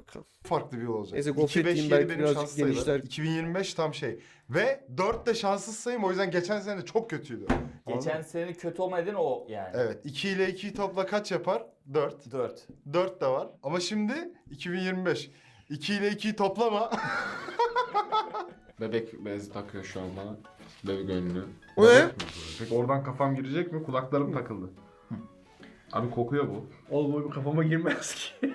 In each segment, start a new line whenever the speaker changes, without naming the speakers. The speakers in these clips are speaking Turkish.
bakalım.
farklı bir yol olacak.
Neyse
2,
gofret
5,
yiyeyim,
7
belki
benim
birazcık
şans sayılarım.
genişler.
2025 tam şey. Ve 4 de şanssız sayım, o yüzden geçen sene çok kötüydü.
Geçen
Anladın mı?
senenin kötü olma nedeni o yani.
Evet. 2 ile 2'yi topla kaç yapar? 4.
4.
4 de var. Ama şimdi 2025. 2 ile 2'yi toplama.
Bebek bezi takıyor şu an bana. Bebek önlüğü.
O ne?
Peki oradan kafam girecek mi? Kulaklarım takıldı. Abi kokuyor bu.
Oğlum o kafama girmez ki.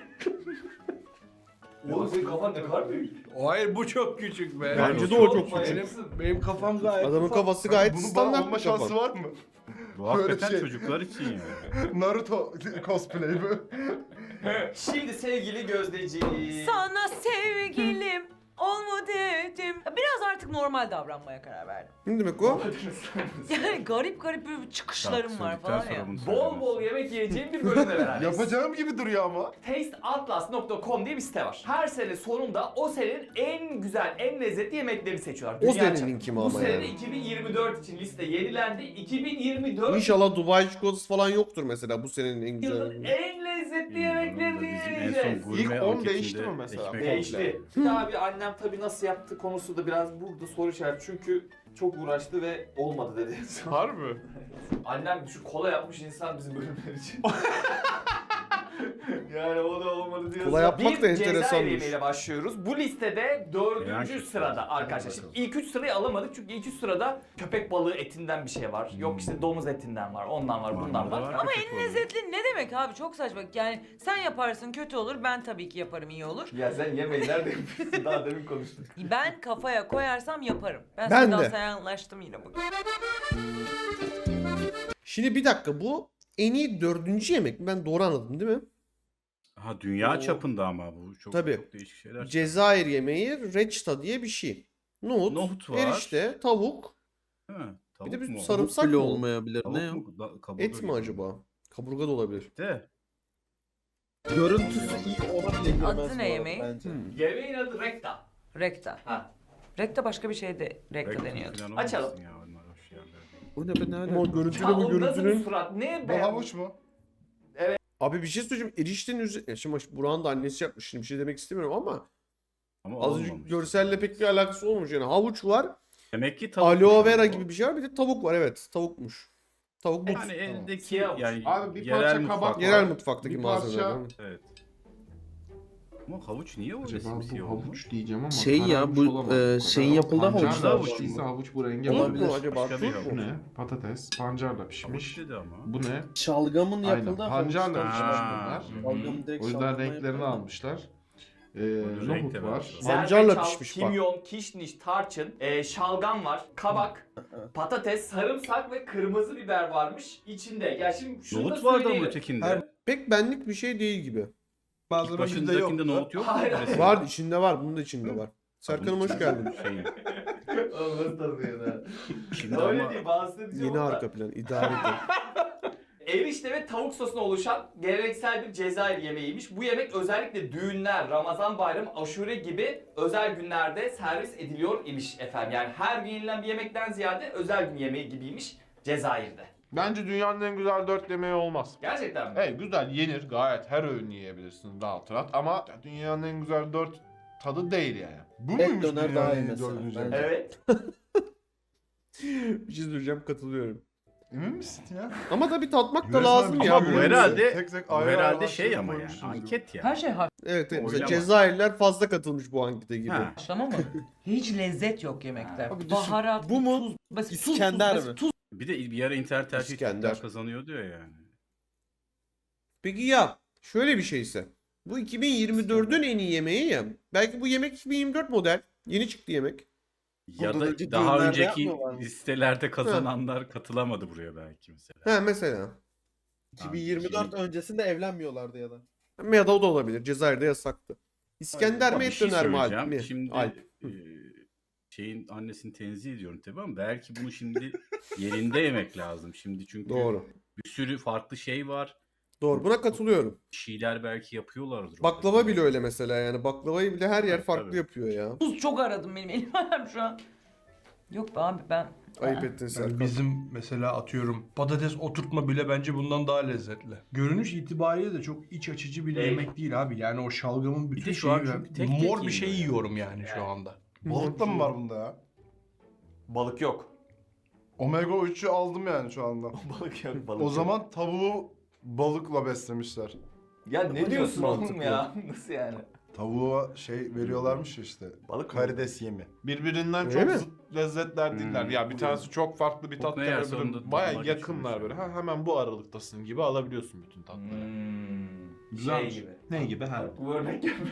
Oğlum senin kafan ne kadar büyük.
Hayır bu çok küçük be.
Bence de o çok küçük.
Benim kafam gayet
Adamın
ufak.
kafası gayet
Bunun bana
standart
olma
bir
şansı
kafa.
var mı?
Bu hakikaten
şey.
çocuklar için yani.
Naruto cosplay bu.
Şimdi sevgili Gözdeciğim.
Sana sevgilim ol mu dedim. Biraz artık normal davranmaya karar verdim.
Ne demek o?
Yani garip garip bir çıkışlarım var falan ya.
Bol bol yemek yiyeceğim bir bölümle beraberiz.
Yapacağım gibi duruyor ama.
Tasteatlas.com diye bir site var. Her sene sonunda o senenin en güzel, en lezzetli yemeklerini seçiyorlar.
O
Dünya
senenin
çapında.
kimi
Bu
ama
sene
yani.
2024 için liste yenilendi. 2024
İnşallah Dubai çikolatası falan yoktur mesela bu senenin en
yılın
güzel.
en lezzetli yemeklerini yiyeceğiz.
İlk 10 değişti mi mesela?
Değişti. Tabii annem tabii nasıl yaptı konusu da biraz burada soru işareti. Çünkü çok uğraştı ve olmadı dedi.
Harbi.
Annem şu kola yapmış insan bizim bölümler için. Yani o da olmadı diyorsa.
Kola yapmak da
Bir Cezayir
enteresanmış.
yemeğiyle başlıyoruz. Bu listede 4.
Yani
sırada arkadaşlar. Şimdi ilk 3 sırayı alamadık çünkü ilk 3 sırada köpek balığı etinden bir şey var. Yok işte domuz etinden var, ondan var, bundan var.
Ama en lezzetli ne demek abi, çok saçma. Yani sen yaparsın kötü olur, ben tabii ki yaparım iyi olur.
Ya sen yemeği nerede yapıyorsun? Daha demin konuştuk.
Ben kafaya koyarsam yaparım. Ben
Ben
Seda
de.
Sayan'laştım yine bugün.
Şimdi bir dakika, bu en iyi 4. yemek mi? Ben doğru anladım değil mi?
Ha dünya çapında ama bu çok,
Tabii.
çok değişik şeyler.
Cezayir yemeği reçta diye bir şey. Nohut,
Nohut var.
erişte, tavuk.
Değil mi?
Bir de bir
mu?
sarımsak
Bile
mı?
olmayabilir.
Tavuk
Ne ya?
mu? Kaburga
Et mi
gibi.
acaba? Kaburga da olabilir.
De.
Görüntüsü iyi olabilir.
Adı ne yemeği?
Bence.
Yemeğin adı rekta.
Rekta.
Ha.
Rekta başka bir şey de rekta
Reklam
deniyordu.
falan
Açalım.
olmasın ya, onlar hoş yerler değil.
Bu ne be ne
Ama
alaka?
görüntüde
Ha,
bu
o nasıl bir
görüntünün...
surat? Ne
Bu
be?
havuç mu?
Abi bir şey söyleyeceğim. Eriştenin üzerine... Şimdi Burak'ın da annesi yapmış. Şimdi bir şey demek istemiyorum ama
Ama
az önce
olmamış.
görselle pek bir alakası olmuş. Yani havuç var,
Demek ki tavuk.
aloe vera gibi bir şey var. Bir de tavuk var, evet. Tavukmuş. Tavuk but.
Yani eldeki
Siyah
yani
Abi bir
yerel
parça
mutfak
kabak
var.
Yerel mutfaktaki
Bir parça-
malzemeler.
Evet. Ama havuç niye o
Acaba
resim
bu
siyah olmuş?
havuç diyeceğim ama
Şey ya,
kararmış
bu,
olamaz kadar.
şeyin yapıldığı
Pancarla
havuç da havuç mu?
piştiyse havuç bu renge
Turp
olabilir.
mu acaba?
Başka bir
Turp
Bu
mu?
ne? Patates. Pancarla
Havuç
pişmiş.
dedi ama.
Bu ne?
Şalgamın
Aynen.
yapıldığı
Pancarla
havuçtan
pişmiş
Ha.
bunlar.
Şalgamın direkt
O yüzden
şalgamla
renklerini
yapılıyor.
almışlar.
Renk
Nohut
de
var.
var.
Pancarla
Zerdeçal,
pişmiş bak.
kimyon, kişniş, tarçın, şalgam var, kabak, patates, sarımsak ve kırmızı biber varmış içinde. Ya şimdi şunu
Nohut
da
vardı ama
söyleyelim.
ötekinde.
Pek benlik bir şey değil gibi.
İlk başındakinde nohut yok mu?
Hayır.
Resim?
Var, içinde var. Bunun da içinde var. Serkan'ım hoş geldin.
Şeyin.
Oğlum nasıl tanımıyorsun ha?
Şimdi
Öyle
ama
değil, bazısı diyeceğim
Yeni
ama.
arka plan. İdare edin.
Erişte ve tavuk sosuna oluşan geleneksel bir Cezayir yemeğiymiş. Bu yemek özellikle düğünler, Ramazan bayramı, aşure gibi özel günlerde servis ediliyor imiş efendim. Yani her gün yenilen bir yemekten ziyade özel gün yemeği gibiymiş Cezayir'de.
Bence dünyanın en güzel 4 yemeği olmaz.
Gerçekten mi?
Evet güzel yenir gayet her öğün yiyebilirsin rahat rahat ama dünyanın en güzel 4 tadı değil yani. Bu
Et
muymuş
döner
dünyanın
daha iyi
en
mesela,
dördüncü
bence.
yemeği?
Evet.
Bir şey söyleyeceğim, katılıyorum.
Emin misin ya?
Ama tabii tatmak da
Resmen
lazım
bir
ya.
ama
bu
bu
ürünü.
herhalde
Tek tek
bu
ayrı ayrı
herhalde şey
haşlayıp
ama yani
koymuşsunuz gibi.
anket ya.
Her şey
Evet, evet. Mesela
Oylama.
Cezayirliler fazla katılmış bu ankete gibi.
Ha.
haşlama mı? Hiç lezzet yok yemekte.
Abi düşün,
Baharat,
bu mu?
tuz, basit,
İskender
tuz,
mi?
basit, tuz.
Bir de bir ara internet her şey
İskender.
Türkler kazanıyor diyor yani.
Peki ya şöyle bir şeyse. Bu 2024'ün en iyi yemeği ya. Belki bu yemek 2024 model. Yeni çıktı yemek.
Ya
Bundan
da
önce
daha
düğünlerde
önceki
yapmıyorlar mı?
listelerde kazananlar katılamadı buraya belki mesela.
Ha mesela.
2024 öncesinde evlenmiyorlardı ya da.
Ya da o da olabilir. Cezayir'de yasaktı. İskender
Ama
mi
bir
et
şey
döner mi Alp
söyleyeceğim.
mi?
Şimdi
Alp.
şeyin annesini tenzih ediyorum tabii ama belki bunu şimdi yerinde yemek lazım. Şimdi çünkü
Doğru.
bir sürü farklı şey var.
Doğru. Buna katılıyorum.
Bir şeyler belki yapıyorlardır. orada.
Baklava bile öyle mesela yani. Baklavayı bile her yer
Tabii,
farklı
tabii.
yapıyor ya.
Tuz çok aradım benim elim ayağım şu an. Yok be abi ben
Ayıp ettin
Yani
Serkan.
bizim mesela atıyorum patates oturtma bile bence bundan daha lezzetli. Görünüş itibariyle de çok iç açıcı bir
Değil.
yemek değil abi. Yani o şalgamın
Bir
bütün
de şu
şeyi
an
ve
çünkü tek
mor
tek
bir şey
yeniyor
yiyorum yani şu anda.
Balık da mı var bunda ya?
Balık yok.
Omega 3'ü aldım yani şu anda.
Balık yok.
O zaman tavuğu balıkla beslemişler.
Ya ne diyorsun oğlum
mantıklı.
ya? Nasıl yani?
Tavuğa şey veriyorlarmış ya işte.
Balık mı?
Karides yemi.
Birbirinden
Öyle
çok
mi?
zıt lezzetler değiller. Ya bir tanesi çok farklı bir tat
ne yerse
verebilir.
onun da
Baya
tadına
yakınlar
geçiyormuş
böyle. Ha, hemen bu aralıktasın gibi alabiliyorsun bütün tatları. Güzelmiş.
Şey gibi.
Ne gibi? Ha.
Bu örnek gibi.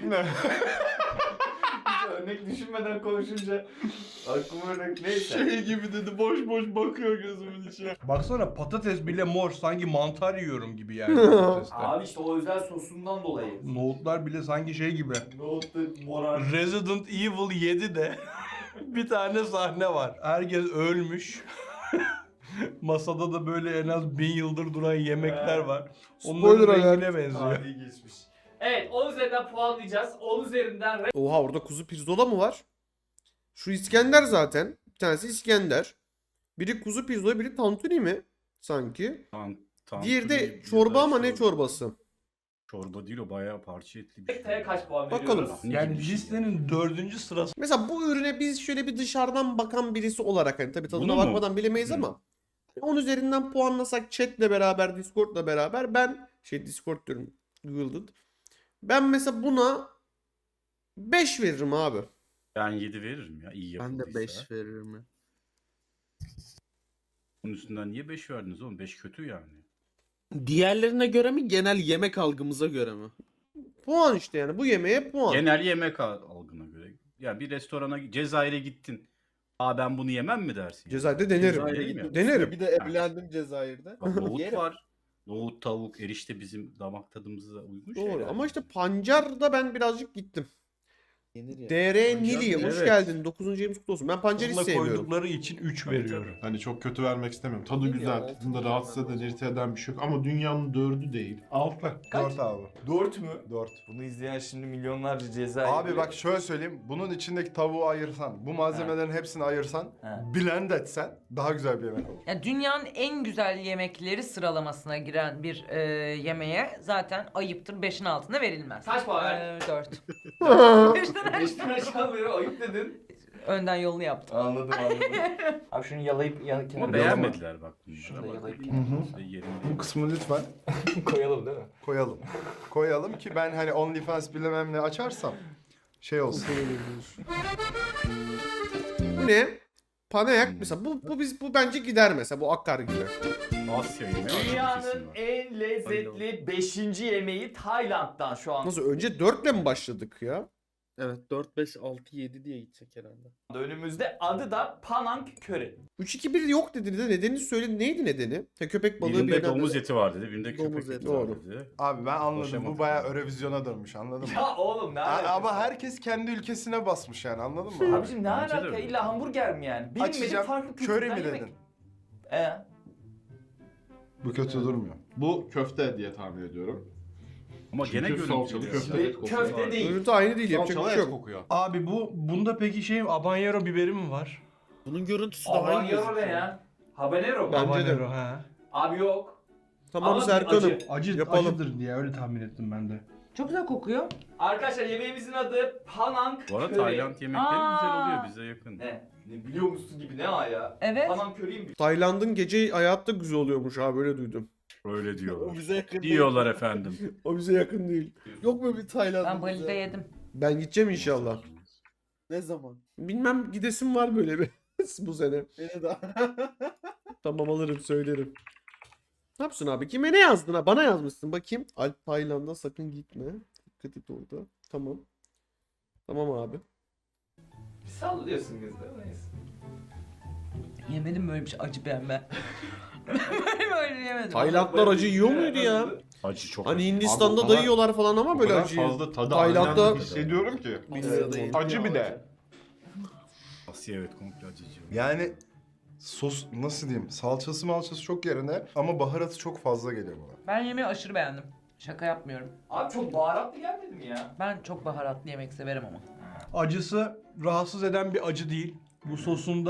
Hiç örnek düşünmeden konuşunca aklıma örnek neyse.
Şey gibi dedi, boş boş bakıyor gözümün içine. Baksana patates bile mor, sanki mantar yiyorum gibi yani patatesler.
Abi işte o özel sosundan dolayı.
Nohutlar bile sanki şey gibi.
Nohutlu morar.
Resident Evil 7'de bir tane sahne var. Herkes ölmüş. Masada da böyle en az 1000 yıldır duran yemekler var.
Spoiler
Onların
alert.
rengine benziyor.
Tarihi geçmiş. Evet 10 üzerinden puanlayacağız. 10 üzerinden
Oha orada kuzu pirzola mı var? Şu İskender zaten. Bir tanesi İskender. Biri kuzu pirzola, biri tantuni mi? Sanki. Diğeri de çorba ama ne çorbası?
Çorba değil o bayağı parça etli bir şey.
Rekta'ya kaç puan
Bakalım.
veriyoruz?
Yani listenin 4. sırası.
Mesela bu ürüne biz şöyle bir dışarıdan bakan birisi olarak hani tabii tadına
Bunu mu?
bakmadan bilemeyiz ama 10 üzerinden puanlasak chatle beraber, Discord'la beraber ben Discord diyorum, Google'da. Ben mesela buna 5 veririm abi.
Ben 7 veririm ya iyi
Ben
yapıldıysa.
de 5 veririm ya.
Bunun üstünden niye 5 verdiniz oğlum? 5 kötü yani.
Diğerlerine göre mi, genel yemek algımıza göre mi?
Puan işte yani bu yemeğe puan.
Genel yemek algına göre. Ya bir restorana Cezayir'e gittin. Aa ben bunu yemem mi dersin?
Cezayir'de denerim.
Cezayir'e
Değil mi?
gittim.
Denerim.
Bir de evlendim Cezayir'de.
Bak, nohut
Yerim.
var. Nohut, tavuk, erişte bizim damak tadımıza uygun
Doğru
şeyler.
ama işte pancarda ben birazcık gittim.
Yenir ya.
DR
Pancar
Nili
mı?
hoş
Evet.
geldin. 9. ayımız kutlu olsun. Ben pancarı hiç
Bununla
sevmiyorum.
koydukları için 3 veriyorum.
Hani çok kötü vermek istemiyorum. Tadı
Değil mi ya?
güzel. Tadında rahatsız eden, irite eden bir şey yok. Ama dünyanın 4'ü değil. 6.
4 abi.
4 mü?
4.
Bunu izleyen şimdi milyonlarca Cezayir.
Abi bak şöyle söyleyeyim. Bunun içindeki tavuğu ayırsan, bu malzemelerin hepsini ayırsan,
He.
blend etsen daha güzel bir yemek olur.
Yani dünyanın en güzel yemekleri sıralamasına giren bir yemeğe zaten ayıptır 5'in altına verilmez.
Kaç puan verdin?
4.
5'ten aşağı beri ayıp dedin.
Önden yolunu yaptım.
Anladım. Abi şunu yalayıp kenara
Ama beğenmediler bak. bunu.
Şunu da yalayıp
İşte yerinde.
Bu kısmını lütfen
koyalım değil mi?
koyalım. Koyalım ki ben hani OnlyFans bilmem ne açarsam şey olsun.
Bu ne? Panayak mesela bu bence gider mesela bu akkar gibi.
Asya yemeği aşırı kesin
Dünyanın
var.
en lezzetli 5. yemeği Tayland'dan şu an.
Nasıl önce 4'le mi başladık ya?
Evet 4, 5, 6, 7 diye gidecek herhalde.
Önümüzde adı da Panang Curry.
3-2-1 yok dedi de nedenini söyledi. Neydi nedeni? Köpek balığı
Birinde
birine-
domuz eti var dedi, birinde
Domuz
köpek eti
eti,
var
doğru.
dedi.
Abi ben anladım.
Boşamadım.
Bu bayağı Eurovizyona dönmüş anladın mı?
Ya oğlum ne alakası
Ama
var?
herkes kendi ülkesine basmış yani anladın mı?
Abicim ne
Bence de
alaka?
öyle.
İlla hamburger mi yani? Bilinmedik
Açacağım.
farklı
Köri
kültürden
mi
yemek.
dedin? Bu kötü durmuyor.
Bu köfte diye tahmin ediyorum.
Ama gene
Çünkü salçalı
görüntü.
köfte et kokuyor.
Köfte değil.
Görüntü aynı değil yapacak bir
Salçalı
şey
et
yok.
kokuyor.
Abi bunda peki şey habanero biberi mi var?
Bunun görüntüsü daha iyi
Habanero ne
gözüküyor.
ya? Habanero mu?
Bence de.
Habanero ha.
Abi yok.
Tamam
Ama
Serkan'ım.
acı.
Yapalım.
Acıdır diye öyle tahmin ettim ben de.
Çok güzel kokuyor.
Arkadaşlar yemeğimizin adı Panang
Bu arada
Curry.
Tayland yemekleri güzel
Aa.
oluyor, bize yakın.
Ne biliyor musun gibi ne ha ya?
Evet.
Panang Curry'yim.
Tayland'ın gece hayatta güzel oluyormuş abi öyle duydum.
Öyle
O
diyorlar.
bize yakın değil.
Diyorlar efendim.
O bize yakın değil.
Yok mu bir Tayland?
Ben Bali'de yedim.
Ben gideceğim inşallah.
Ne zaman?
Bilmem gidesim var böyle bir bu sene.
Beni daha.
Tamam alırım söylerim. Ne yapsın abi? Kime ne yazdın ha? Bana yazmışsın. Bakayım. Alp Tayland'a sakın gitme. Dikkat et orada. Tamam. Tamam abi.
Sallıyorsun biz de. Neyse.
Yemedim böyle bir şey acı beğenme. Ben böyle yemedim.
Taylandlar acı yiyor muydu ya?
Acı çok
Hani
acı.
Hindistan'da
Abi o kadar-
da yiyorlar falan ama
O
böyle
kadar
acıyı.
fazla tadı
Tayland'da-
aynen hissediyorum ki.
Bilmiyorum.
Acı bir de.
Asya evet komple acıcı.
Yani sos nasıl diyeyim? Salçası malçası çok yerine ama baharatı çok fazla geliyor bana.
Ben yemeği aşırı beğendim. Şaka yapmıyorum.
Abi çok baharatlı gelmedi mi ya?
Ben çok baharatlı yemek severim ama.
Acısı rahatsız eden bir acı değil. Bu sosunda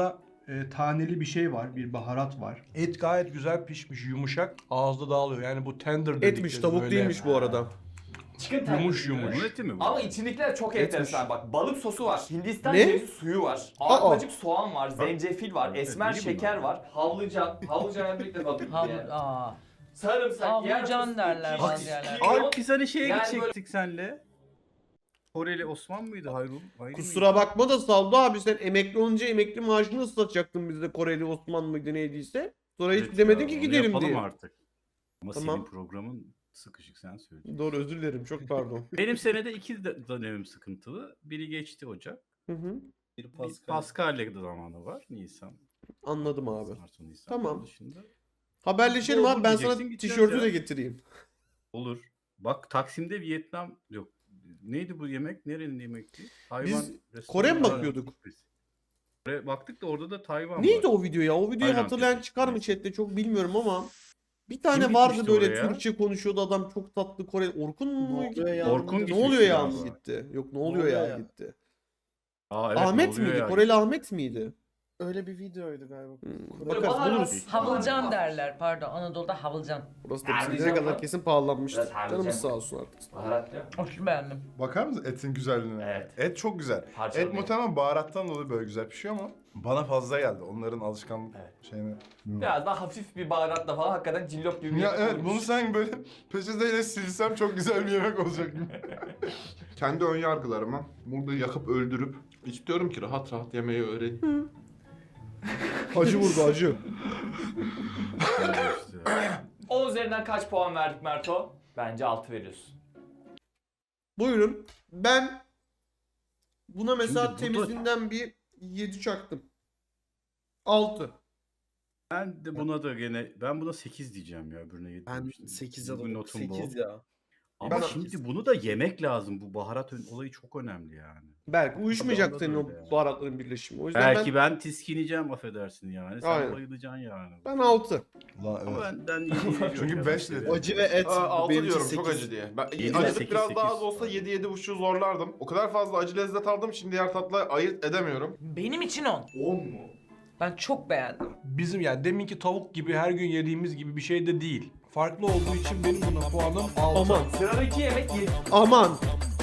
taneli bir şey var, bir baharat var.
Et gayet güzel pişmiş, yumuşak. Ağızda dağılıyor. Yani bu tender dedikleri
Etmiş, tavuk
böyle
değilmiş bu arada.
Chicken
Yumuş
tenders.
yumuş.
Onun eti mi bu?
Ama içindekiler çok
Etmiş.
enteresan bak. Balık sosu var. Hindistan
Ne?
cevizi suyu var.
Aa.
Arpacık soğan var. Zencefil var.
Evet,
Esmer
iyi
şeker
bunlar.
var. Havlıcan. Havlıcan birlikte bakın.
Aa.
Sarımsak, yer
Havlucan
fıstığı,
derler
kişniş,
bazı yerlerde.
kimyon.
Alp biz hani şeye
Yani
gidecektik senle. Koreli Osman mıydı Hayrul?
Kusura bakma da Saldo abi, sen emekli olunca emekli maaşını ıslatacaktın bizde, Koreli Osman mıydı neydiyse. Sonra hiç demedin ki gidelim
yapalım
diye.
artık. Ama
Tamam.
senin programın sıkışık, sen söyle.
Doğru, özür dilerim, çok pardon.
Benim senede 2 dönemim sıkıntılı. Biri geçti Ocak.
Hı hı.
Bir Paskalya zamanı var. Nisan.
Anladım abi.
Mart, Nisan.
Tamam.
Onun dışında
Haberleşelim
Olur
abi, ben sana
diyeceksin, gideceğiz
tişörtü
ya.
de getireyim.
olur. Bak Taksim'de Vietnam yok. Neydi bu yemek? Nerenin yemekti? Tayvan restoranı
Kore mi
var.
bakıyorduk?
Kore baktık da orada da Tayvan
Neydi
var.
o video ya? O videoyu
Tayland
hatırlayan
dedi.
çıkar mı
Neyse.
chatte, çok bilmiyorum ama bir tane
Kim
vardı
gitmişti
böyle
oraya?
Türkçe konuşuyordu adam, çok tatlı Kore. Orkun mu
oluyor
gitti?
ya?
Orkun
Ne
gitmişti
oluyor ya
galiba.
mı gitti? Yok, ne oluyor ya gitti.
Aa, evet,
Ahmet
ne oluyor
miydi?
ya?
Koreli Ahmet miydi?
Öyle bir videoydu galiba.
Bakarız,
baharat-
buluruz.
Havılcan derler pardon. Anadolu'da havılcan.
Burası da
Harbican
bizim ne kadar
mı?
kesin pahalanmıştır.
Biraz harbican.
Canımız sağ olsun artık.
Baharatlı.
Hoş beğendim.
Bakar mısın etin güzelliğine?
Evet.
Et çok güzel.
Parçalı
Et muhtemelen baharattan dolayı böyle güzel pişiyor ama bana fazla geldi. Onların alışkanlık
Evet.
şeyine.
Biraz daha hafif bir baharatla falan hakikaten cillop gibi bir
Ya
yemek
evet,
olmuş.
bunu sen böyle peçeteyle silsem çok güzel bir yemek olacak gibi.
Kendi ön yargılarımı burada yakıp öldürüp istiyorum ki rahat rahat yemeği öğreneyim.
Acı vurdu, acı.
10 üzerinden kaç puan verdik Merto? Bence 6 veriyorsun.
Buyurun. Ben buna mesela
Şimdi bu da-
temizinden bir 7 çaktım. 6.
Ben de buna da gene ben buna 8 diyeceğim ya, öbürüne 7
Ben
demiştim.
8'e
Bugün
doğru.
notum bu.
8 ya.
Ama
Ben-
şimdi bunu da yemek lazım. Bu baharat olayı çok önemli yani.
Belki uyuşmayacak
Adamda
senin
da
o
öyle yani.
baharatların birleşimi. O yüzden
Belki ben tiskineceğim, affedersin yani. Sen
Aynen.
bayılacaksın yani.
ben 6.
Ulan
Ama
evet.
benden iyi
Çünkü 5 dedi.
Acı ve et.
6
benim için
diyorum, çok
8.
acı diye. Ben
Yedi,
acılık
sekiz,
biraz daha az
sekiz.
olsa 7-7,5'u zorlardım. O kadar fazla acı lezzet aldım, şimdi diğer tatla ayırt edemiyorum.
Benim için 10.
10 mu?
Ben çok beğendim.
Bizim yani deminki tavuk gibi her gün yediğimiz gibi bir şey de değil. Farklı olduğu için benim buna puanım 6.
Aman.
Sıradaki yemek 7.
Aman.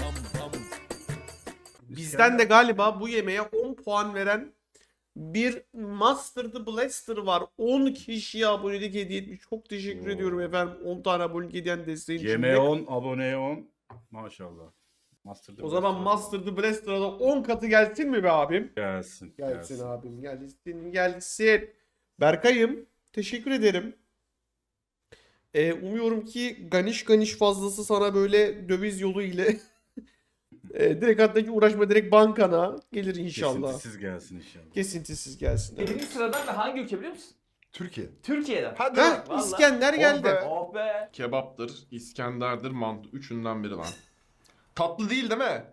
Bizden de galiba bu yemeğe 10 puan veren bir Master the Blaster var. 10 kişiye abonelik hediye etmiş. Çok teşekkür
Oo.
ediyorum efendim. 10 tane abonelik hediyen desteğin için.
Yemeğe 10, aboneye 10. Maşallah. Master'da
O zaman Master the Blaster'a da 10 katı gelsin mi be abim?
gelsin.
Gelsin abim, gelsin, gelsin. Berkay'ım, teşekkür ederim. Umuyorum ki ganiş fazlası sana böyle döviz yolu ile direkt, hatta hiç uğraşma, direkt bankana gelir inşallah.
Kesintisiz gelsin inşallah.
Kesintisiz gelsin. Evet.
7. sıradan da hangi ülke biliyor musun?
Türkiye.
Türkiye'den.
Hadi
Heh,
bak.
Vallahi.
İskender geldi.
be.
Oh be.
Kebaptır, İskender'dir, mantı. Üçünden biri lan. Tatlı değil değil mi?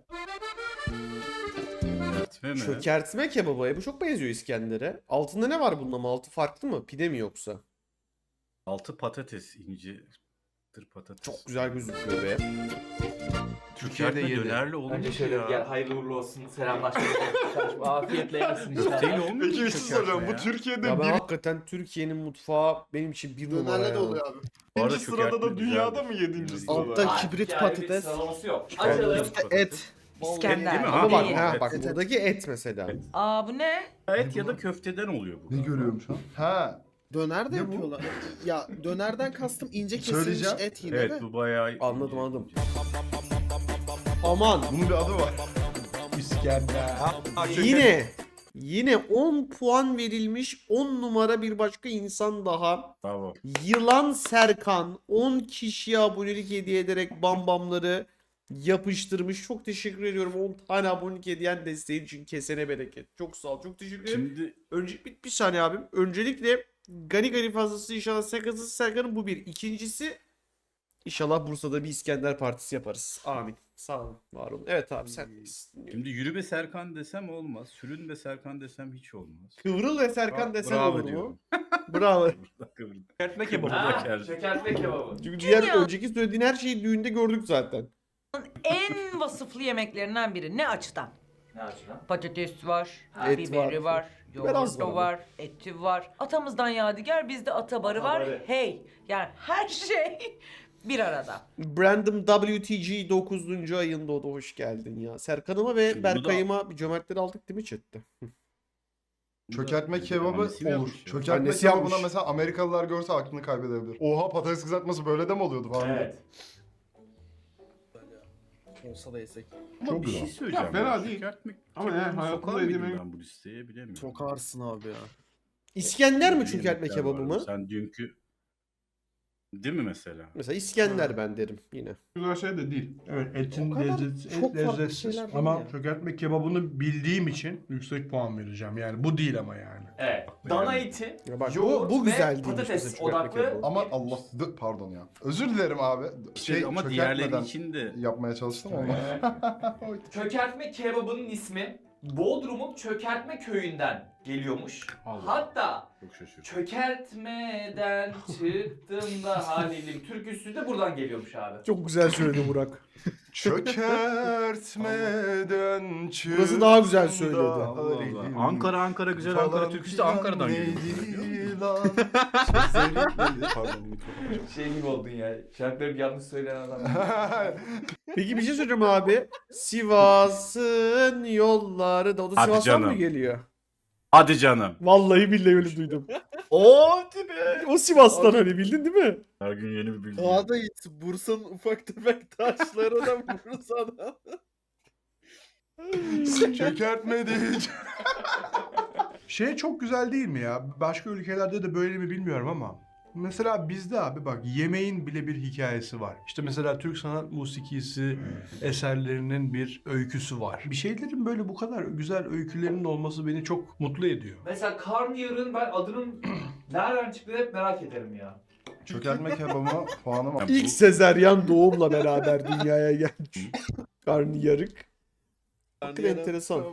Çökertme mi?
Çökertme kebabı. Bu çok benziyor İskender'e. Altında ne var bunun ama? Altı farklı mı? Pide mi yoksa?
Altı patates, ince patates.
Çok güzel gözüküyor be.
Türkiye'de dönerle olur mu
Önce
ki
şöyle
ya?
gel hayırlı uğurlu olsun. Selamlaştık. Afiyetle yersin inşallah.
Köfteyle olmuyor mu
Peki bir şey
çökertme
soracağım.
ya?
Bu Türkiye'de
Ya ben
bir
hakikaten Türkiye'nin mutfağı benim için bir numara
Dönerle
ya.
de oluyor abi.
Bu arada
birinci sırada
çökertme
da dünyada
güzeldir.
mı 7. sırada?
Altta
Ay,
kibrit
yani
patates.
Bir sıralaması yok.
Çıkardım.
Açalım.
Et.
İskender.
değil mi?
Ama bak,
Değil.
ha, bak
Et.
buradaki et mesela.
Evet.
Aa bu ne?
Et ya da köfteden oluyor bu.
Ne görüyorum şu an? Ha.
Döner de
Ne bu?
yapıyorlar. Ya dönerden kastım ince kesilmiş
Söyleyeceğim.
et yine
Evet
de.
bu bayağı...
Anladım, anladım. Aman.
Bunun bir adı var.
İskender.
Yine 10 puan verilmiş 10 numara bir başka insan daha.
Bravo.
Yılan Serkan 10 kişiye abonelik hediye ederek bambamları yapıştırmış. Çok teşekkür ediyorum 10 tane abonelik hediyen desteğin için, kesene bereket. Çok sağ ol, çok teşekkür ederim.
Şimdi
Önce bir saniye abim. Öncelikle gani fazlası inşallah sakınsız Serkan'ın bu bir. İkincisi inşallah Bursa'da bir İskender partisi yaparız. Amin. Sağ olun, var olun. Evet abi sen
Şimdi yürü be Serkan desem olmaz. Sürün be Serkan desem hiç olmaz.
Kıvrıl ve Serkan desen
Bravo
olur mu?
diyorum.
Bravo.
Çökertme kebabı.
Ha, çökertme kebabı.
Çünkü
Kim
diğer
ya?
önceki söylediğin her şeyi düğünde gördük zaten.
En vasıflı yemeklerinden biri. Ne açıdan?
Ne açıdan?
Patates var,
Et
biberi
var.
var,
Biber az
yoğurdu
var
var, eti var. Atamızdan yadigar bizde atabarı var.
Atabarı.
Hey, yani her şey bir arada.
Brandon WTG 9. ayında o da hoş geldin ya. Serkan'ıma ve
Şimdi bunu da-
Berkay'ıma bir cömertleri aldık değil mi chatte?
Çökertme kebabı
Annesi mi
olur.
yapmış ya?
Çökertme
Annesi
kebabına
yapmış.
mesela Amerikalılar görse aklını kaybedebilir. Oha patates kızartması böyle de mi oluyordu falan.
Evet.
Olsa da yesek.
Ama
Çok
bir şey
güzel.
söyleyeceğim.
Ya fena
ya.
değil.
Çökertme
Ama
kebabını
yani hayatımda
sokar mıydım
yediğim-
ben bu listeye bilemiyorum.
Çok ağırsın abi ya.
İskender mi
Böyle
çökertme
yemekler
kebabı
var.
mı?
Sen dünkü... Değil mi mesela?
Mesela İskender ben derim yine.
Güzel şey de değil.
Evet, etin
O kadar
lezzeti,
çok
et
farklı
lezzetsiz.
şeyler değil
Ama
ya.
çökertme kebabını bildiğim için yüksek puan vereceğim. Yani bu değil ama yani.
Evet. Dana eti,
Ya bak
yoğurt
bu
ve
güzel değilmiş
patates
mesela çökertme
odaklı.
kebabı.
Ama Allah pardon ya. Özür dilerim abi.
Ama diğerleri
çökertmeden
için de...
yapmaya çalıştım ama.
Çökertme kebabının ismi Bodrum'un Çökertme köyünden geliyormuş.
Allah.
Hatta
Çok şaşırdım.
çökertmeden çıktım da halilim türküsü de buradan geliyormuş abi.
Çok güzel söyledi Burak.
Çökertmeden çıktım.
Burası daha güzel söyledi.
da
Allah Allah.
halim
Ankara güzel Ankara
falan
türküsü de Ankara'dan
filan
geliyor.
neydi lan? Sözlerin neydi? Pardon.
Şey gibi oldun ya. Şarkıları bir yanlış söyleyen adam.
Peki bir şey söyleyeceğim abi. Sivas'ın yolları da o da
Hadi
Sivas'tan mı
canım.
geliyor?
Hadi canım.
Vallahi billahi öyle duydum.
O tipi.
O Sivas'tan hani bildin değil mi?
Her gün yeni bir bilgi.
Daha da iyisi. Bursa'nın ufak tefek taşlarına Bursa'dan.
Çökertme değil.
Şey çok güzel değil mi ya? Başka ülkelerde de böyle mi bilmiyorum ama. Mesela bizde abi bak yemeğin bile bir hikayesi var. İşte mesela Türk sanat musikisi eserlerinin bir öyküsü var. Bir şeylerin böyle bu kadar güzel öykülerinin olması beni çok mutlu ediyor.
Mesela karnıyarığın ben adının nereden çıktığını hep merak ederim ya.
Çökertme kebabı puanım
Ya
İlk
bu-
sezeryan doğumla beraber dünyaya gelmiş. Karnıyarık. Hakikaten enteresan.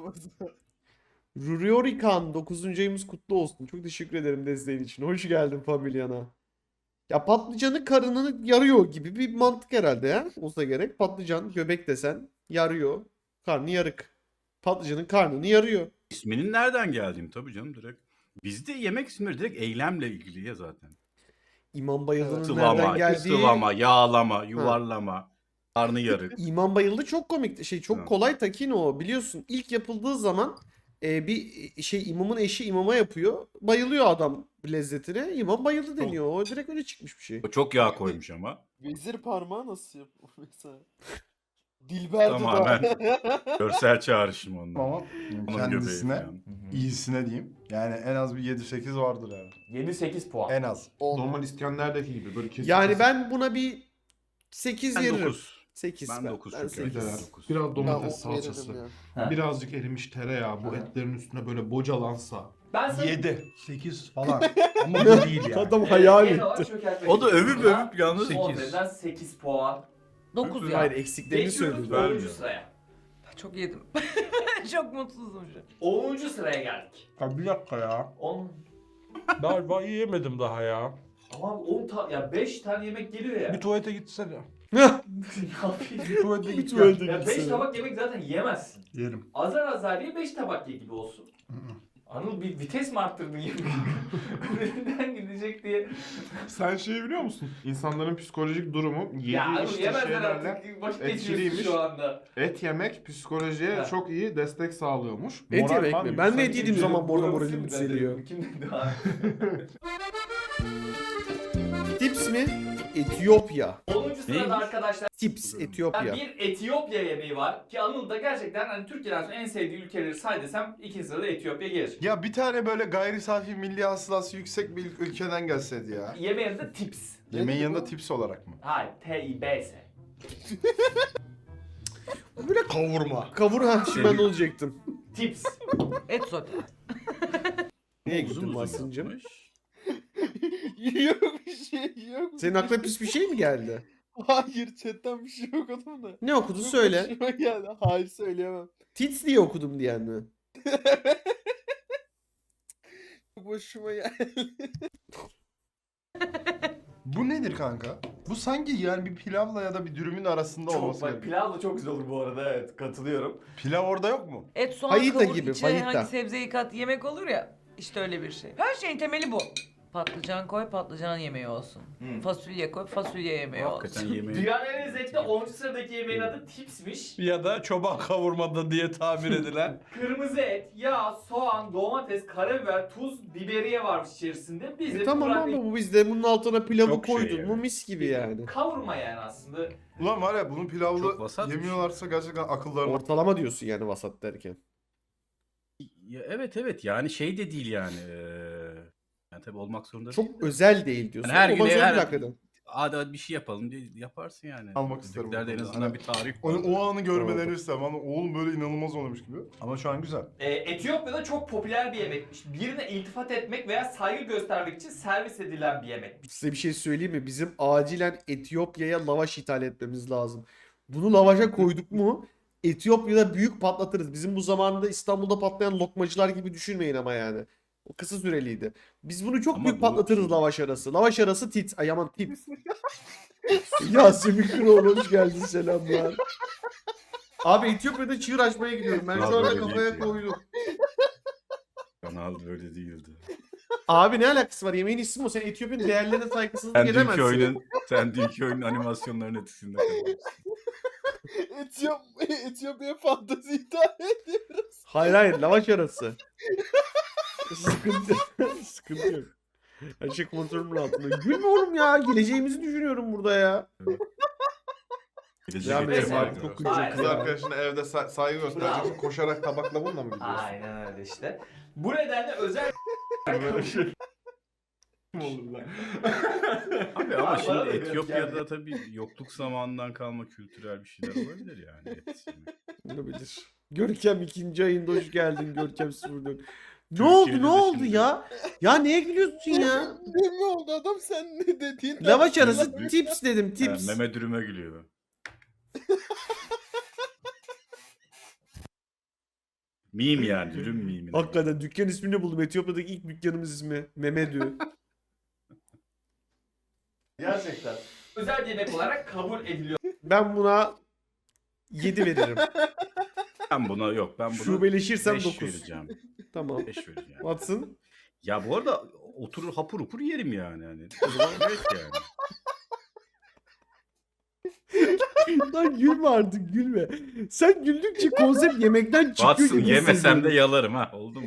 Ruriorikan 9. ayımız kutlu olsun. Çok teşekkür ederim desteğin için. Hoş geldin Familyana. Ya patlıcanı karnını yarıyor gibi bir mantık herhalde ya. Olsa gerek. Patlıcan göbek desen yarıyor. Karnı yarık. Patlıcanın karnını yarıyor.
İsminin nereden geldiğini tabii canım direkt. Bizde yemek isimleri direkt eylemle ilgili ya zaten.
İmam Bayıldı'nın nereden
Sıvama,
geldiği...
sıvama, yağlama, yuvarlama, karnı yarık.
İmam Bayıldı çok komik. Çok
Ha.
kolay takin o. Biliyorsun ilk yapıldığı zaman bir imamın eşi imama yapıyor. Bayılıyor adam lezzetine. İmam bayıldı deniyor. O direkt öyle çıkmış bir şey.
O çok yağ koymuş ama.
Vezir parmağı nasıl yapıyor mesela? Dilber
Tamamen.
dudağı.
Görsel çağrışım onun.
ama
Onun göbeği
kendisine
falan.
iyisine diyeyim. Yani en az bir 7-8 vardır yani.
7-8 puan.
En az.
Normal İskender'deki gibi böyle kesin.
Yani ben buna bir 8
Ben
veririm.
9.
8
Ben 9 çünkü.
sekiz.
Güzel.
Dokuz.
Biraz
Ben
domates
on veririm
salçası.
ya.
Ha.
Birazcık erimiş tereyağı bu etlerin üstüne böyle bocalansa.
Ben sana
7, 8 falan. Ama bu değil yani.
Adam hayal
genel olarak
etti.
çökertme
O da
kebabı.
övüp övüp yalnız
10
8.
üzerinden 8 puan.
9 ya.
Hayır eksiklerini
Geçiyoruz
söyledi.
10.
Vermiyor.
sıraya.
Çok yedim. Çok mutsuzum şu an.
10. sıraya geldik.
Ya bir dakika ya.
10.
Daha yiyemedim daha ya.
Ama 10 ya 5 tane yemek geliyor ya.
Bir tuvalete gitsene.
Ne yapayım?
Bir tuvalete git.
Tuvalete
Ya 5
gitsene.
tabak yemek zaten yemezsin.
Yerim.
Azar azar ye 5 tabak ye gibi olsun. Anıl bir vites mi arttırdın yemek? Önünden gidecek diye.
Sen şeyi biliyor musun? İnsanların psikolojik durumu yediği
Ya Anıl
işte
yemezler
şeylerle
artık. Vakit geçiriyorsun
etkiliymiş.
şu anda.
et yemek psikolojiye
Ha.
çok iyi destek sağlıyormuş.
Et
Moralman
yemek mi? Ben de et
yükseliyor.
yediğim zaman bu arada
Burası
moralim
mı
yükseliyor.
dedi? Kim dedi abi?
Tips mi? Etiyopya.
10. sırada
Neymiş?
arkadaşlar
Tips Etiyopya.
bir Etiyopya yemeği var ki Anıl da gerçekten hani Türkiye'den sonra en sevdiği ülkeleri say desem ikinci sırada Etiyopya gelir.
Ya bir tane böyle gayri safi milli hasılası yüksek bir ülkeden gelseydi ya.
Yemeğin adı tips.
Yemeğin yanında tips olarak mı?
Hayır, T-I-B-S.
Böyle kavurma. Kavur ha şimdi ben de olacaktım.
Tips.
Et sote.
Neye
Uzun
gittin
uzun
Mahsun'cum?
yapmış.
Yok bir şey yok.
Senin aklına pis bir şey mi geldi?
Hayır chatten bir şey okudum da.
Ne okudu
Çok
söyle.
hoşuma geldi. Hayır söyleyemem.
Tits diye okudum diyen mi?
Çok hoşuma geldi.
Bu nedir kanka? Bu sanki yani bir pilavla ya da bir dürümün arasında
Çok,
olması
bak
gerekiyor.
pilav da çok güzel olur bu arada, evet katılıyorum.
Pilav orada yok mu?
Et, soğan,
Fajita
kavur,
gibi,
içine
fajita.
hangi sebzeyi kat yemek olur ya. İşte öyle bir şey. Her şeyin temeli bu. Patlıcan koy, patlıcan yemeği olsun. Fasulye koy, fasulye yemeği
Hakikaten
olsun.
yemeği.
Dünyanın en lezzetli 10. sıradaki yemeğin adı tipsmiş.
Ya da çoban kavurmada diye tabir edilen.
Kırmızı et, yağ, soğan, domates, karabiber, tuz, biberiye varmış içerisinde. Biz de
Tamam
Murat
abi,
Bey-
bu bizde bunun altına pilavı
Çok şey
koydun
yani.
mu mis gibi yani.
Kavurma yani aslında.
Ulan var ya bunun
Çok
pilavlı
vasat bir şey.
yemiyorlarsa gerçekten akıllarına...
Ortalama diyorsun yani vasat derken.
Ya evet yani şey de değil yani. Yani tabii olmak zorunda değil
Çok
de.
özel değil diyorsun.
Yani her
Olmaz
gün
öyle
her
hakikaten.
hadi bir şey yapalım diye yaparsın yani.
Almak isterim
Ötekilerde en
bu konuda.
azından
Hani
bir tarih
O,
var.
o anı görmelerini istemem ama oğlum böyle inanılmaz olmuş gibi. Ama şu an güzel.
Etiyopya'da çok popüler bir yemekmiş. Birine iltifat etmek veya saygı göstermek için servis edilen bir yemek.
Size bir şey söyleyeyim mi? Bizim acilen Etiyopya'ya lavaş ithal etmemiz lazım. Bunu lavaşa koyduk mu Etiyopya'da büyük patlatırız. Bizim bu zamanında İstanbul'da patlayan lokmacılar gibi düşünmeyin ama yani. O kısa süreliydi. Biz bunu çok
Ama
büyük
bu
patlatırız
şey-
lavaş arası. Lavaş arası tit. Ay aman tips. Yasemin Kıroğlu hoş geldin, selamlar. Abi Etiyopya'da çığır açmaya gidiyorum. Ben şu
Abi
anda
öyle
kafaya
değil ya.
koydum.
Kanal böyle değildi.
Abi ne alakası var? Yemeğin ismi o. Sen Etiyopya'nın değerlerine saygısızlık edemezsin.
Sen dünkü oyunun animasyonlarının etkisinde kalmışsın.
Etiyopya fantezi ithal ediyoruz.
Hayır hayır, lavaş arası. Sıkıntı, sıkıntı yok. Her şey kontrolümün altında. Gülme oğlum ya. Geleceğimizi düşünüyorum burada ya.
Gelecek
Devam edelim
yeteneği
abi.
var.
Çok
Kız
güzel.
Aynen.
arkadaşına evde saygı gösterecek için koşarak tabakla bununla mı gidiyorsun?
Aynen öyle işte. Bu nedenle özel...
Abi ama
Bana
şimdi
da biraz
Etiyopya'da
geldi.
tabii yokluk zamanından kalma kültürel bir şeyler olabilir yani. Et yemek.
Olabilir. Görkem 2. ayında hoş geldin Görkem 04. Ne
Türkiye'de
oldu ne
de
oldu
şimdi-
ya? Ya neye gülüyorsun ya?
Ne mi oldu adam, sen ne dediğin?
Lavaş arası
Büyük-
tips dedim,
Ha,
tips.
meme dürüme gülüyor. Meme yani dürüm meme.
Hakikaten dükkan ismini buldum. Etiyopya'daki ilk dükkanımız ismi. Memedü.
Gerçekten. Özel bir yemek olarak kabul ediliyor.
Ben buna 7 veririm.
Ben buna
Şubeleşirsem
5
9.
vereceğim.
Tamam.
5 vereceğim.
Watson.
Ya bu arada oturur hapur hapur yerim yani. Hani. O zaman evet yani.
Lan gülme artık, gülme. Sen güldükçe konsept yemekten çıkıyor
Watson
gibi
yemesem de
hissediyorum.
yalarım ha. Oldu mu?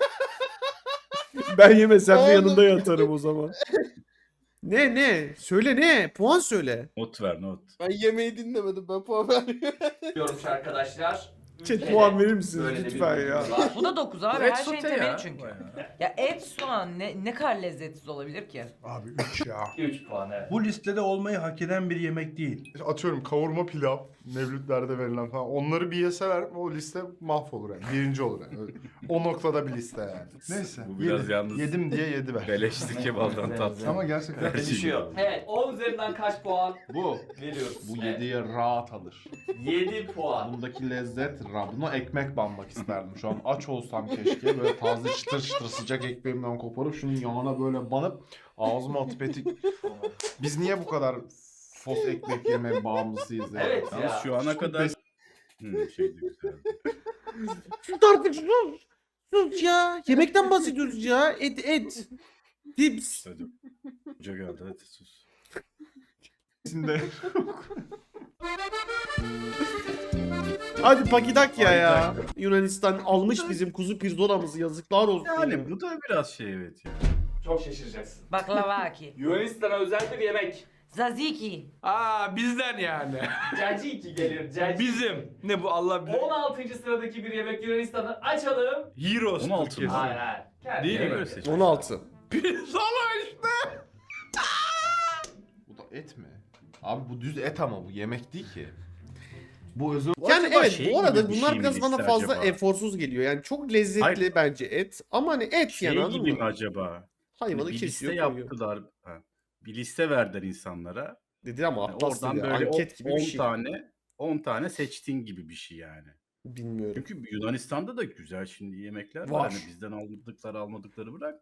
Ben yemesem de
Oğlum.
yanında yatarım o zaman. Ne? Söyle ne? Puan söyle.
Not ver not.
Ben yemeği dinlemedim, ben puan vermiyorum.
Diyormuş arkadaşlar.
Chat
Ülkede
puan verir misiniz
böyle de bir
lütfen ya?
durumumuz var.
Bu da 9 abi.
Et
Her şeyin
sote
temeli
ya.
çünkü.
Bayağı.
Ya et, soğan ne kadar lezzetsiz olabilir ki?
Abi 3 ya.
3 puan evet.
Bu listede olmayı hak eden bir yemek değil.
İşte atıyorum kavurma pilav, mevlütlerde verilen falan. Onları bir yeseler o liste mahvolur yani. Birinci olur yani. Öyle. O noktada bir liste yani. Neyse.
Bu biraz
yedi.
yalnız-
Yedim diye 7 ver.
Beleşti kebaldan tatlı.
Ama gerçekten
Her şey
Düşüyor.
gibi.
Evet 10 üzerinden kaç puan
Bu.
veriyoruz?
Bu
Evet.
7'ye rahat alır.
7 puan.
Bundaki lezzet, buna ekmek banmak isterdim. Şu an aç olsam keşke böyle taze çıtır çıtır sıcak ekmeğimden koparıp şunun yağına böyle banıp ağzıma atıp etik. Biz niye bu kadar sos ekmek yeme bağımlısıyız ya?
Evet
Yalnız
ya.
şu ana kadar... Şeydi güzeldi.
Sus artık, sus. Sus ya. Yemekten bahsediyoruz ya. Et. Tips.
Hadi. Hoca geldi hadi sus.
içinde
Hadi Pakidakya ya. Yunanistan almış bizim kuzu pirzolamızı, yazıklar olsun. ya.
Yani bu da biraz şey evet ya.
Çok şaşıracaksın.
Baklavaki.
Yunanistan'a özel bir yemek.
Tzatziki.
Aa bizden yani.
Caciki gelir. Caciki.
Bizim. Ne bu Allah bilir.
16. sıradaki bir yemek Yunanistan'ı açalım.
Heroes
16
Türkiye'si.
mı?
Hayır hayır. Kendi
Değil mi?
yemek.
Böyle seç.
16.
Pirzola işte.
Bu da et mi? Abi bu düz et ama bu yemek değil ki. Bu özür...
Yani
acaba
evet
şey
bu
gibi
arada
bir
bunlar
şey mi
biraz bana
liste
fazla
acaba?
eforsuz geliyor. Yani çok lezzetli
Hayır.
bence et. Ama hani et
Şey
yani, anladın
gibi mi
mı?
acaba?
Hayvanı
Bir liste
kesiyor koyuyor.
yaptılar. Ha. Bir liste verdiler insanlara.
Dedi ama
Yani
Atlas
oradan
dedi.
böyle
Anket gibi
10
bir şey.
tane 10 tane seçtin gibi bir şey yani.
Bilmiyorum.
Çünkü Yunanistan'da da güzel şimdi yemekler var.
Var.
Hani bizden almadıkları bırak.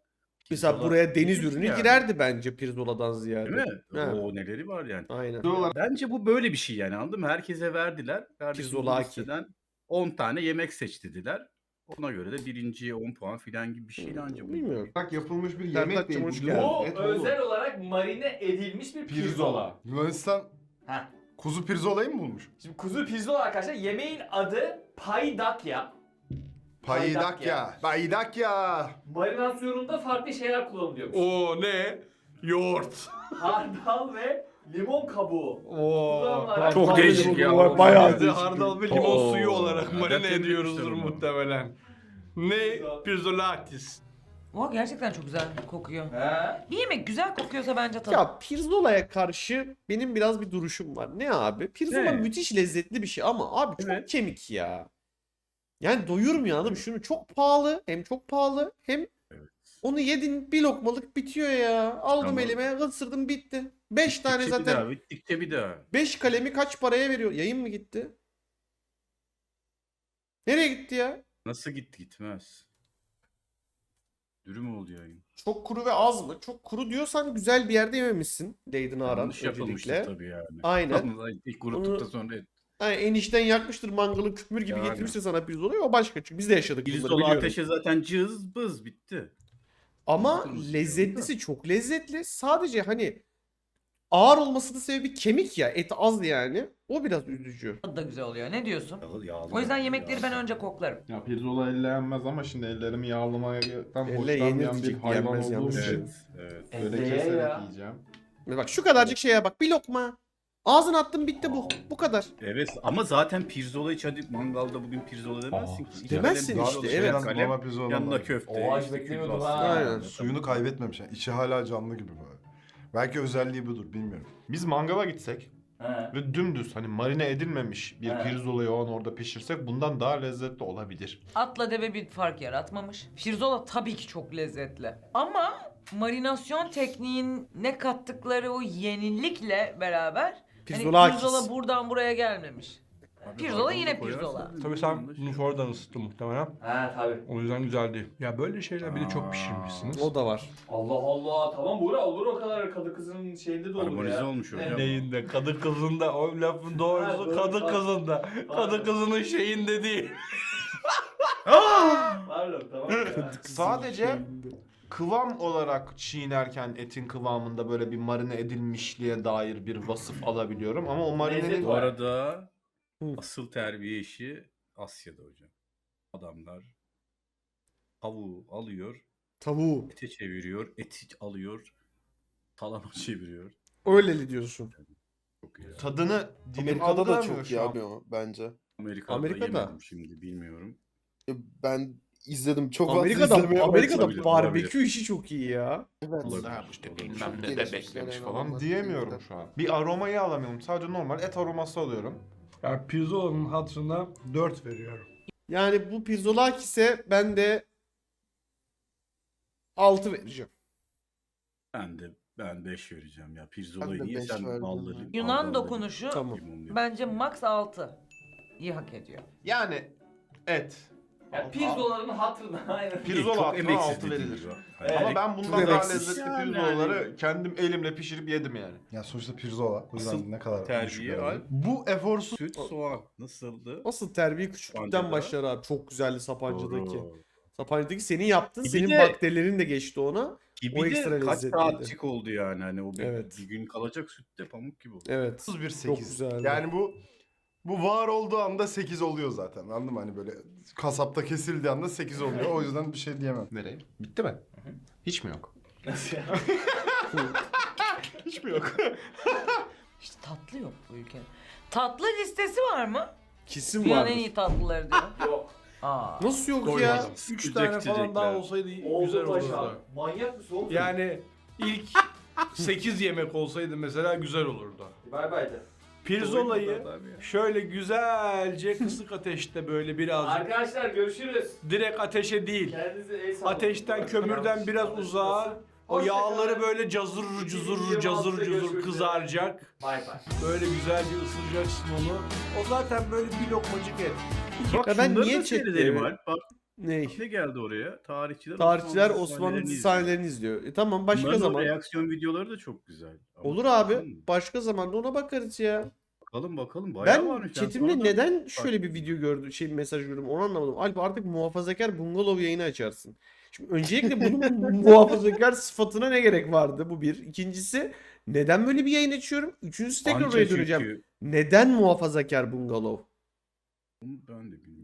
Mesela
Pirzola
buraya deniz
yenir
ürünü
yani.
girerdi bence pirzoladan ziyade.
Değil mi?
Ha.
O neleri var yani.
Aynen.
Bence bu böyle bir şey yani anladın mı? Herkese verdiler. Kardeşim bu
Pirzolaki.
listeden 10 tane yemek seç dediler. Ona göre de birinciye 10 puan filan gibi bir şeydi anca bu.
Bilmiyorum.
Bak yapılmış bir
Sertaç'cığım
yemek değil.
hoş
Bu
geldin.
Bu
et oğlum.
özel olarak marine edilmiş bir pirzola.
Yunanistan
Heh.
kuzu pirzolayı mı bulmuş?
Şimdi kuzu pirzola arkadaşlar yemeğin adı paydakya.
Paydakya. Paydakya.
Marinasyonunda farklı şeyler kullanılıyormuş.
O ne? Yoğurt.
Hardal ve limon kabuğu.
Oo.
kullanılarak
Çok
farklı
değişik ya.
limon-
Bayağı
Biz de hardal ve limon
Oo,
suyu olarak
nereden
marine
temizlemişler
ediyoruzdur
onu?
muhtemelen. Ne? Pirzolatis.
O gerçekten çok güzel kokuyor.
He?
Bir yemek güzel kokuyorsa bence tadı.
Ya pirzolaya karşı benim biraz bir duruşum var. Ne abi? Pirzola
Ne?
müthiş lezzetli bir şey ama abi çok
Evet.
kemik ya. Yani doyurmuyor anladın mı? Şunu çok pahalı, hem çok pahalı hem onu yedin bir lokmalık bitiyor ya. Aldım
Tamam.
elime, ısırdım bitti. 5 tane
Bittikçe bir daha,
zaten.
bittikçe bir daha.
5 kalemi kaç paraya veriyor? Yayın mı gitti? Nereye gitti ya?
Nasıl gitti gitmez. Dürüm oldu yayın.
Çok kuru ve az mı? Çok kuru diyorsan güzel bir yerde yememişsin. Leydin Aran
Yanlış yapılmıştır
öncelikle.
tabii yani.
Aynen.
Vallahi İlk kuruttuk da sonra
Yani enişten yakmıştır mangalı küpür gibi
Yani.
getirmiştir sana pirzolayı, o başka. Çünkü biz de yaşadık bunları
pirzola
biliyorum.
ateşe zaten cız bız bitti.
Ama
Kırmızı
lezzetlisi çok lezzetli. Sadece hani ağır olmasının sebebi kemik ya. Et az yani. O biraz üzücü.
Tadı da güzel oluyor. Ne diyorsun?
Yağlı
O yüzden yemekleri ben önce koklarım.
Ya pirzola elle yenmez ama şimdi ellerimi yağlamaktan
Elle
hoşlanmayan bir
yenilmeyecek,
hayvan
yenmez
olduğum
yalnız.
için
Evet.
böyle
Elle
keserek
ya.
yiyeceğim.
Ve bak şu kadarcık şeye bak. Bir lokma. Ağzına attın bitti bu. Bu kadar.
Evet ama zaten pirzola hiç hadi mangalda bugün pirzola demezsin ki. İki
Demezsin
kalem
işte,
pirzola,
evet.
bir kalem,
Normal pirzola
yanına
normal.
köfte.
Oha, hiç
işte
beklemiyordum
kürbas.
ha.
Aynen.
Suyunu kaybetmemiş yani. İçi hala canlı gibi böyle. Belki özelliği budur bilmiyorum.
Biz mangala gitsek
He.
ve dümdüz hani marine edilmemiş bir
Evet.
pirzolayı o an orada pişirsek bundan daha lezzetli olabilir.
Atla deve bir fark yaratmamış. Pirzola tabii ki çok lezzetli. Ama marinasyon tekniğine kattıkları o yenilikle beraber
Pirzola
hani
akis.
pirzola buradan buraya gelmemiş.
Abi
Pirzola
hardal
yine
da koyarsan
pirzola.
Tabii sen bunu sonradan ısıttın muhtemelen.
He tabii.
O yüzden güzel değil. Ya böyle şeyler bir de çok pişirmişsiniz.
O da var.
Allah Allah. Tamam Buğra olur o kadar kadı kızının şeyinde de olur
Harmonize
ya.
olmuş hocam.
Evet.
Neyinde? Kadı kızında. O lafın
Ha,
doğrusu
doğru,
kadı
pardon.
kızında. Kadı kızının şeyinde değil.
Pardon tamam ya.
Sadece kıvam olarak çiğnerken etin kıvamında böyle bir marine edilmişliğe dair bir vasıf alabiliyorum ama o marinenin
Lezzet
Bu arada
Hı.
asıl terbiye işi Asya'da hocam. Adamlar tavuğu alıyor,
Tavuğu.
ete çeviriyor, eti alıyor, talama çeviriyor.
Öyleli diyorsun.
Çok iyi.
tadını dilim
Amerika'da da
algılamıyor
çok
şu
iyi
an.
abi o bence.
Amerika'da,
Amerika'da.
yemedim şimdi bilmiyorum.
Ben izledim çok fazla
Amerika'da
izlemeye
Amerika'da
olabilir,
barbekü işi çok iyi ya.
Evet.
Olabilir.
Ha, işte
Olabilir.
bilmem
Çok
ne de
gelişmişler
beklemiş
yani
falan
adamlar.
diyemiyorum şu an. Bir aromayı alamıyorum. Sadece normal et aroması alıyorum.
Ya pirzolanın hatırına 4 veriyorum.
Yani bu pirzolakise ben de 6 vereceğim.
Ben 5 vereceğim ya.
Ben
Pirzolayı
de
niye
beş
sen
verdim
balları...
ya.
Yunan
balları-
dokunuşu
Tamam.
limonlu-
bence max 6. İyi hak ediyor.
Yani et.
Ya pirzolaların hatırına aynen.
Pirzola
Çok
hakkında
emeksiz
6
dediğim
verilir.
gibi.
Ama ben bundan
Çok
daha
emeksiz.
lezzetli
Yani
pirzolaları kendim elimle pişirip yedim yani.
Ya sonuçta pirzola. O yüzden
Asıl
ne kadar
terbiye
düşük
al.
verelim. Bu eforsuz
Süt, soğan nasıldı?
Asıl terbiye küçüklükten
Sapanca'da.
başlar abi. Çok güzeldi Sapanca'daki.
Doğru.
Sapanca'daki senin yaptın.
Bir
Senin
de-
bakterilerin de geçti ona.
Gibi
O
de
ekstra
kaç
lezzetliydi.
saatlik oldu yani hani o bir,
Evet.
bir gün kalacak sütte pamuk gibi oldu.
Evet.
bir
Çok
8.
güzeldi.
Yani bu var olduğu anda 8 oluyor zaten. Anladın mı? Hani böyle kasapta kesildiği anda 8 oluyor. O yüzden bir şey diyemem.
Nereye? Bitti mi? Hiç mi yok?
Nasıl ya?
Hiç mi yok?
İşte tatlı yok bu ülkenin. Tatlı listesi var mı?
Kesin
Dünyanın
vardır.
en iyi tatlıları diyor.
Yok.
Aa.
Nasıl yok ya?
Koymadım. 3
Sıcak
tane falan
içecekler.
daha olsaydı güzel
Oldu paşa.
olurdu.
Manyak mısın oğlum?
Yani ilk 8 yemek olsaydı mesela güzel olurdu.
Bay bay de.
Pirzolayı şöyle güzelce kısık ateşte böyle birazcık
Arkadaşlar görüşürüz.
direkt ateşe değil.
Kendinize el sallayın.
Ateşten, kömürden biraz uzağa o yağları böyle cazır cuzur kızaracak.
Bay bay.
Böyle güzelce ısıracaksın onu. O zaten böyle bir lokmacık et.
Bak
Ya ben
şunları
niye
da seyredelim
çektim?
Alp. Bak
Ney?
Ne geldi oraya?
Tarihçiler
Osmanlı
Osmanlı
dizi
dizi
sahnelerini
sahnelerini izliyor. Tamam başka
Bunların o
zaman.
reaksiyon videoları da çok güzel. Ama
Olur abi.
bakalım mı?
Başka zaman da ona bakarız ya.
Bakalım. Bayağı
Ben
varmış.
chatimde
sonradan
neden şöyle bir
fark
video gördüm, mesaj gördüm onu anlamadım. Alp artık muhafazakar bungalov yayını açarsın. Şimdi öncelikle bunun muhafazakar sıfatına ne gerek vardı? Bu bir. İkincisi neden böyle bir yayın açıyorum? Üçüncüsü tekrar
Anca
oraya döneceğim.
çünkü.
Neden muhafazakar bungalov?
Ben de bilmiyorum.